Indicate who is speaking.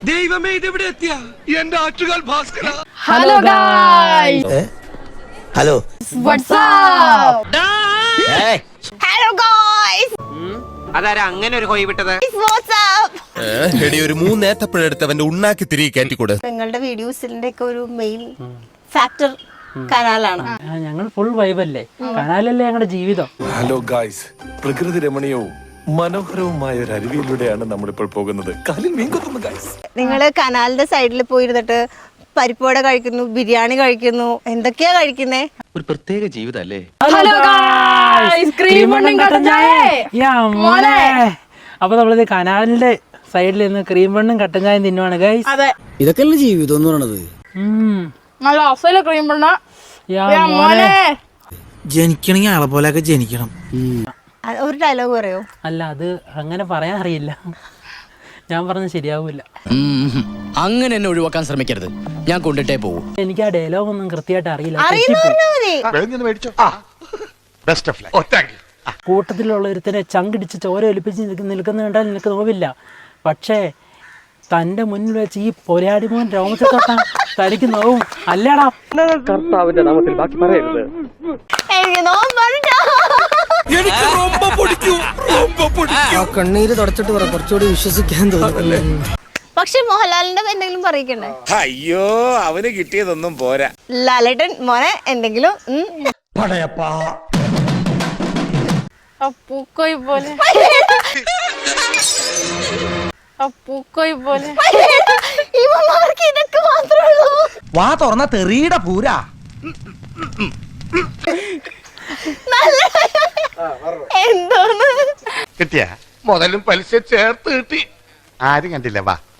Speaker 1: ദൈവമേ ഇതെവിടെ എത്തിയ എന്റെ Attukal Bhaskara.
Speaker 2: Hello guys,
Speaker 3: hello
Speaker 2: WhatsApp.
Speaker 4: Hello guys,
Speaker 1: അതാരാ അങ്ങനെ ഒരു കോയി വിട്ടത്?
Speaker 4: വാട്സ്ആപ്പ്.
Speaker 5: എടി ഒരു മൂന്നേത്തപ്പഴെടുത്ത് അവന്റെ ഉണ്ണാക്കി തിരികെ കയറ്റിക്കൂടെ?
Speaker 4: നിങ്ങളുടെ വീഡിയോസിന്റെ ഒക്കെ ഒരു മെയിൻ ഫാക്ടർ കനാലാണ്.
Speaker 2: ഞങ്ങൾ ഫുൾ വൈബല്ലേ, കനാലല്ലേ ഞങ്ങളുടെ ജീവിതം.
Speaker 6: ഹലോ ഗായ്സ്, പ്രകൃതി രമണീയവും മനോഹരവുമായ ഒരു അരുവിയിലൂടെയാണ് നമ്മളിപ്പോൾ പോകുന്നത്. കാലിൽ മീൻ കൊത്തുന്നു ഗായ്സ്.
Speaker 4: നിങ്ങള് കനാലിന്റെ സൈഡിൽ പോയിരുന്നിട്ട് പരിപ്പോട കഴിക്കുന്നു, ബിരിയാണി കഴിക്കുന്നു, എന്തൊക്കെയാ കഴിക്കുന്നേ?
Speaker 1: ഒരു പ്രത്യേക ജീവിതല്ലേ.
Speaker 2: ഹലോ ഗായ്സ്, ക്രീം ബണ്ണും കട്ടൻ ചായ. യാ മോനെ, അപ്പൊ നമ്മളിത് കനാലിന്റെ സൈഡിൽ നിന്ന് ക്രീം ബണ്ണും കട്ടൻ ചായയും തിന്നുവാണ് ഗായ്സ്.
Speaker 3: അതെ, ഇതൊക്കെയല്ലേ ജീവിതം എന്ന് പറയണത്.
Speaker 2: നല്ല അസല ക്രീം ബണ്ണ. യാ മോനെ,
Speaker 3: ജനിക്കണമെങ്കിൽ ആളെ പോലെയൊക്കെ ജനിക്കണം.
Speaker 4: ഒരു ഡയലോഗ് പറയോ?
Speaker 2: അല്ല, അത് അങ്ങനെ പറയാൻ അറിയില്ല, ഞാൻ പറഞ്ഞ ശരിയാവൂല.
Speaker 7: അങ്ങനെ എന്നെ ഒഴിവാക്കാൻ ശ്രമിക്കരുത്, ഞാൻ കൊണ്ടിട്ടേ പോകും.
Speaker 2: എനിക്ക് ആ ഡയലോഗ് ഒന്നും കൃത്യമായിട്ട് അറിയില്ല. കൂട്ടത്തിലുള്ള ഒരുത്തനെ ചങ്കിടിച്ച് ചോര ഒലിപ്പിച്ച് നിൽക്കുന്ന കണ്ടാൽ നിനക്ക് നോവില്ല. പക്ഷേ തന്റെ മുന്നിൽ വെച്ച് ഈ പൊരാടി മോൻ രോമത്തെ തൊട്ടാ തനിക്ക് നോവും അല്ലേടാ.
Speaker 1: കർത്താവിന്റെ നാമത്തിൽ ബാക്കി പറയരുത്.
Speaker 4: എനിക്ക് നോമ്പുണ്ടോ?
Speaker 3: കണ്ണീര് തുടച്ചിട്ട് പറ, കുറച്ചുകൂടി വിശ്വസിക്കാൻ തോന്നുന്നല്ലേ.
Speaker 4: പക്ഷെ മോഹൻലാലിന്റെ എന്തെങ്കിലും പറയിക്കണ്ടേ?
Speaker 8: അയ്യോ, അവന് കിട്ടിയതൊന്നും പോരാ.
Speaker 4: ലാലേട്ടൻ മോനെ എന്തെങ്കിലും
Speaker 9: പൂക്കോയി പോലെ
Speaker 4: ഇവന്മാർക്ക് ഇതൊക്കെ മാത്രമേ ഉള്ളൂ.
Speaker 3: വാ തുറന്ന തെറിയുടെ പൂരാ.
Speaker 4: എന്തോന്ന്
Speaker 8: കിട്ടിയ മുതലും പലിശ ചേർത്ത് കിട്ടി. ആരും കണ്ടില്ല. വാ.